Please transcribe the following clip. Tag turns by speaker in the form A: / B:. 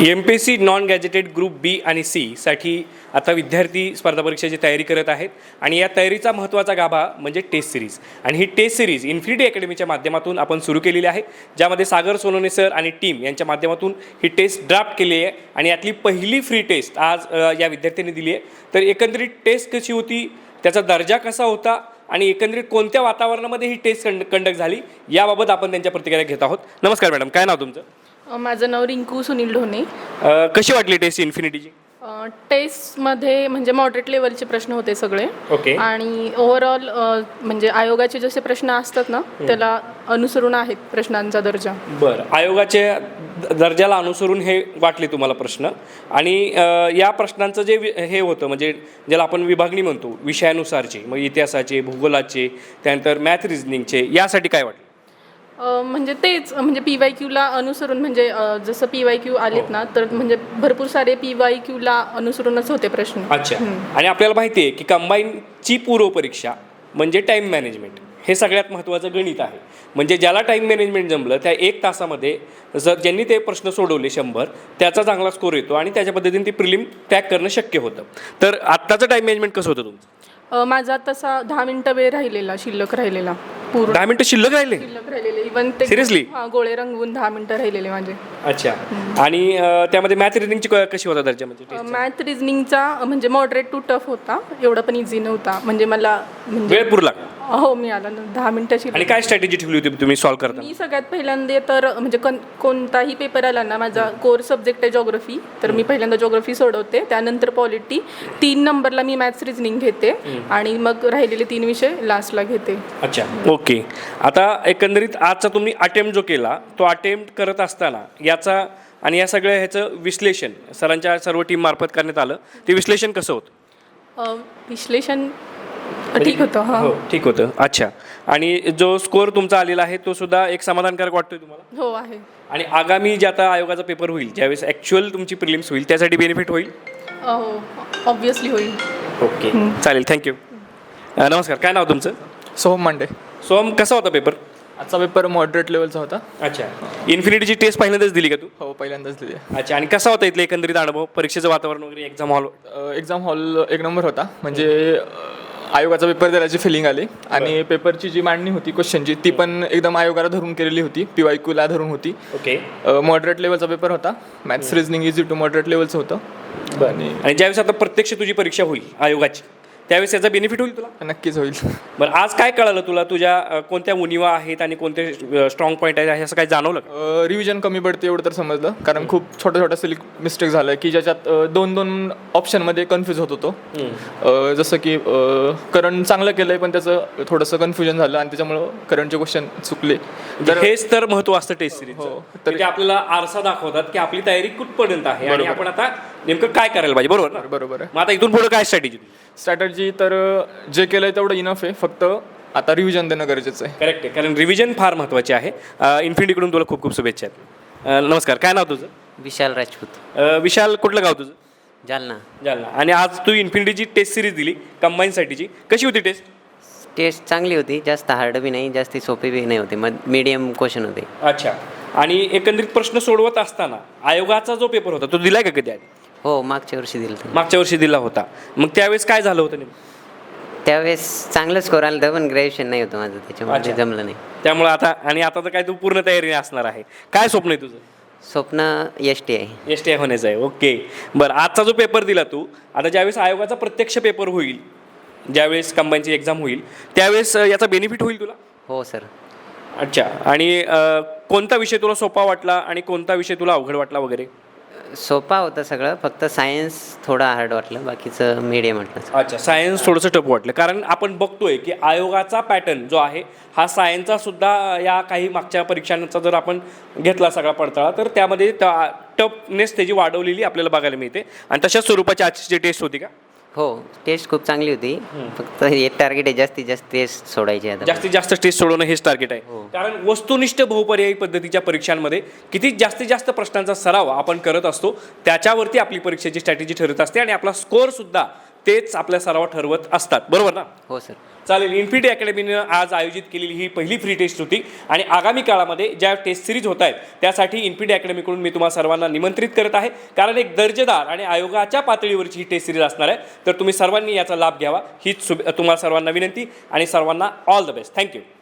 A: MPSC non gazetted group B आणि C साठी आता विद्यार्थी स्पर्धा परीक्षेची तयारी करत आहेत आणि या तयारीचा महत्त्वाचा गाभा म्हणजे टेस्ट सिरीज. आणि ही टेस्ट सिरीज इन्फिनिटी अकॅडमीच्या माध्यमातून आपण सुरू केलेली आहे, ज्यामध्ये सागर सोनवणे सर आणि टीम यांच्या माध्यमातून ही टेस्ट ड्राफ्ट केली आहे आणि यातली पहिली फ्री टेस्ट आज या विद्यार्थ्यांनी दिली आहे. तर एकंदरीत टेस्ट कशी होती, त्याचा दर्जा कसा होता आणि एकंदरीत कोणत्या वातावरणामध्ये ही टेस्ट कंडक्ट झाली याबाबत आपण त्यांच्या प्रतिक्रिया घेत आहोत. नमस्कार मॅडम, काय नाव तुमचं?
B: माझं नाव रिंकू सुनील ढोणे.
A: कशी वाटली टेस्ट इन्फिनिटीची?
B: टेस्टमध्ये म्हणजे मॉडरेट लेवलचे प्रश्न होते सगळे.
A: ओके.
B: आणि ओव्हरऑल म्हणजे आयोगाचे जसे प्रश्न असतात ना त्याला अनुसरून आहेत प्रश्नांचा दर्जा.
A: बरं, आयोगाच्या दर्जाला अनुसरून हे वाटले तुम्हाला प्रश्न. आणि या प्रश्नांचं जे हे होतं म्हणजे ज्याला आपण विभागणी म्हणतो विषयानुसारचे, मग इतिहासाचे, भूगोलाचे, त्यानंतर मॅथ रिझनिंगचे, यासाठी काय वाटलं?
B: म्हणजे तेच म्हणजे PYQला अनुसरून म्हणजे जसं PYQ आलेत ना तर म्हणजे भरपूर सारे PYQला अनुसरूनच होते प्रश्न.
A: अच्छा. आणि आपल्याला माहिती आहे की कंबाईनची पूर्वपरीक्षा म्हणजे टाईम मॅनेजमेंट हे सगळ्यात महत्त्वाचं गणित आहे. म्हणजे ज्याला टाईम मॅनेजमेंट जमलं त्या 1 तासामध्ये जर ज्यांनी ते प्रश्न सोडवले 100 त्याचा चांगला स्कोर येतो आणि त्याच्या पद्धतीने ती प्रिलिम क्रॅक करणं शक्य होतं. तर आत्ताचं टाईम मॅनेजमेंट कसं होतं तुमचं?
B: माझा तसा 10 मिनिटं वेळ राहिलेला, शिल्लक राहिलेला. पूर्ण
A: 10 मिनिटं शिल्लक राहिले?
B: शिल्लक राहिलेले. इवन ते
A: सिरियसली?
B: हां, गोळे रंगवून 10 मिनिटं राहिलेले माझे.
A: अच्छा. आणि त्यामध्ये मॅथ रिझनिंगची कशी होता दर्जा? म्हणजे
B: मॅथ रिझनिंगचा म्हणजे मॉडरेट टू टफ होता, एवढा पण इझी नव्हता. म्हणजे मला म्हणजे
A: वेळ पुरला?
B: हो, मी आला ना 10 मिनिटाची.
A: आणि काय स्ट्रॅटेजी ठेवली होती तुम्ही सॉल्व्ह करता?
B: मी सगळ्यात पहिल्यांदा तर म्हणजे कोणताही पेपर आला ना, माझा कोर सब्जेक्ट आहे जॉग्रफी, तर मी पहिल्यांदा जॉग्रफी सोडवते, त्यानंतर पॉलिटी, 3 नंबरला मी मॅथ्स रिझनिंग घेते आणि मग राहिलेले 3 विषय लास्टला घेते.
A: अच्छा, ओके. आता एकंदरीत आजचा तुम्ही अटेम्प्ट जो केला तो अटेम्प्ट करत असताना याचा आणि या सगळ्या ह्याचं विश्लेषण सरांच्या सर्व टीम मार्फत करण्यात आलं, ते विश्लेषण कसं होतं?
B: विश्लेषण ठीक होतं. हां,
A: हो, ठीक होतं. अच्छा. आणि जो स्कोअर तुमचा आलेला आहे तो सुद्धा एक समाधानकारक वाटतोय तुम्हाला?
B: हो आहे.
A: आणि आगामी जे आता आयोगाचा पेपर होईल, ज्यावेळेस ॲक्च्युअल तुमची प्रिलिम्स होईल, त्यासाठी बेनिफिट होईल?
B: हो, ऑब्विसली होईल.
A: ओके, चालेल, थँक्यू. नमस्कार, काय नाव तुमचं?
C: सोहम मांडे.
A: सोहम, कसा होता पेपर?
C: आजचा पेपर मॉडरेट लेवलचा होता.
A: अच्छा. इन्फिनिटीची टेस्ट पहिल्यांदाच दिली का तू?
C: हो, पहिल्यांदाच दिली.
A: अच्छा. आणि कसा होता इथले एकंदरीत अनुभव, परीक्षेचं वातावरण वगैरे, exam hall?
C: Exam hall 1 number होता. म्हणजे आयोगाचा पेपर द्यायची फिलिंग आली आणि पेपरची जी मांडणी होती क्वेश्चनची ती पण एकदम आयोगाला धरून केलेली होती, PYQला धरून होती.
A: ओके.
C: मॉडरेट लेवलचा पेपर होता. Maths reasoning easy to moderate लेवलचं होतं.
A: आणि ज्यावेळेस आता प्रत्यक्ष तुझी परीक्षा होईल आयोगाची, त्यावेळेस याचा बेनिफिट होईल तुला?
C: नक्कीच होईल.
A: बरं, आज काय कळालं तुला? तुझ्या कोणत्या उणिवा आहेत आणि कोणते स्ट्रॉंग पॉईंट आहेत असं काय जाणवलं का?
C: रिव्हिजन कमी पडते एवढं तर समजलं, कारण खूप छोट्या सिलिक मिस्टेक झालं की ज्याच्यात 2 ऑप्शनमध्ये कन्फ्यूज होत होतो. जसं की करंट चांगलं केलं आहे पण त्याचं थोडंसं कन्फ्युजन झालं आणि त्याच्यामुळं करंटचे क्वेश्चन चुकले.
A: तर हेच तर महत्त्व असतं टेस्ट सिरीज.
C: हो.
A: तर ते आपल्याला आरसा दाखवतात की आपली तयारी कुठपर्यंत आहे आणि आपण आता नेमकं काय करायला पाहिजे. बरोबर ना?
C: बरोबर आहे.
A: मग आता इथून पुढे काय
C: स्ट्रॅटर्जी तर जे केलं आहे तेवढं इनफ आहे, फक्त आता रिव्हिजन देणं गरजेचं आहे.
A: करेक्ट आहे, कारण रिव्हिजन फार महत्त्वाची आहे. इन्फिनिटीकडून तुला खूप खूप शुभेच्छा आहेत. नमस्कार, काय नाव तुझं?
D: विशाल राजपूत.
A: विशाल, कुठलं गाव तुझं?
D: जालना.
A: जालना. आणि आज तू इन्फिनिटीची टेस्ट सिरीज दिली कंबाईनसाठीची, कशी होती टेस्ट?
D: टेस्ट चांगली होती, जास्त हार्ड बी नाही, जास्त सोपी बी नाही होती, मीडियम क्वेश्चन होते.
A: अच्छा. आणि एकंदरीत प्रश्न सोडवत असताना आयोगाचा जो पेपर होता तो दिलाय का कधी?
D: हो, मागच्या वर्षी दिलं.
A: मागच्या वर्षी दिला होता. मग त्यावेळेस काय झालं होतं नेमकं?
D: त्यावेळेस चांगलं स्कोर आलं होतं पण ग्रॅज्युएशन नाही होतं माझं, त्याच्यामुळे जमलं नाही.
A: त्यामुळे आता तर काय तू पूर्ण तयारी असणार आहे. काय स्वप्न आहे तुझं?
D: स्वप्न ST आहे.
A: STI होण्याचं आहे. ओके. बरं, आजचा जो पेपर दिला तू, आता ज्यावेळेस आयोगाचा प्रत्यक्ष पेपर होईल, ज्यावेळेस कंबाईनची एक्झाम होईल, त्यावेळेस याचा बेनिफिट होईल तुला?
D: हो सर.
A: अच्छा. आणि कोणता विषय तुला सोपा वाटला आणि कोणता विषय तुला अवघड वाटला वगैरे?
D: सोपा होतं सगळं, फक्त सायन्स थोडं हार्ड वाटलं, बाकीचं मीडियम वाटलं.
A: अच्छा, सायन्स थोडंसं टफ वाटलं, कारण आपण बघतोय की आयोगाचा पॅटर्न जो आहे हा सायन्सचा सुद्धा या काही मागच्या परीक्षांचा जर आपण घेतला सगळा पडताळा तर त्यामध्ये टफनेस त्याची वाढवलेली आपल्याला बघायला मिळते. आणि तशाच स्वरूपाची आजची टेस्ट होती का?
D: हो, टेस्ट खूप चांगली होती, फक्त हे टार्गेट आहे जास्तीत जास्त टेस्ट सोडायची. आता
A: जास्तीत जास्त टेस्ट सोडवणं हेच टार्गेट आहे. कारण वस्तुनिष्ठ बहुपर्यायी पद्धतीच्या परीक्षांमध्ये किती जास्तीत जास्त प्रश्नांचा सराव आपण करत असतो त्याच्यावरती आपली परीक्षेची स्ट्रॅटेजी ठरत असते आणि आपला स्कोअर सुद्धा तेच आपल्या सराव ठरवत असतात, बरोबर ना?
D: हो सर.
A: चालेल. इन्फिनिटी अकॅडमीनं आज आयोजित केलेली ही पहिली फ्री टेस्ट होती आणि आगामी काळामध्ये ज्या टेस्ट सिरीज होत आहेत त्यासाठी इन्फिनिटी अकॅडमीकडून मी तुम्हा सर्वांना निमंत्रित करत आहे, कारण एक दर्जेदार आणि आयोगाच्या पातळीवरची ही टेस्ट सिरीज असणार आहे. तर तुम्ही सर्वांनी याचा लाभ घ्यावा हीच तुम्हाला सर्वांना विनंती आणि सर्वांना ऑल द बेस्ट. थँक्यू.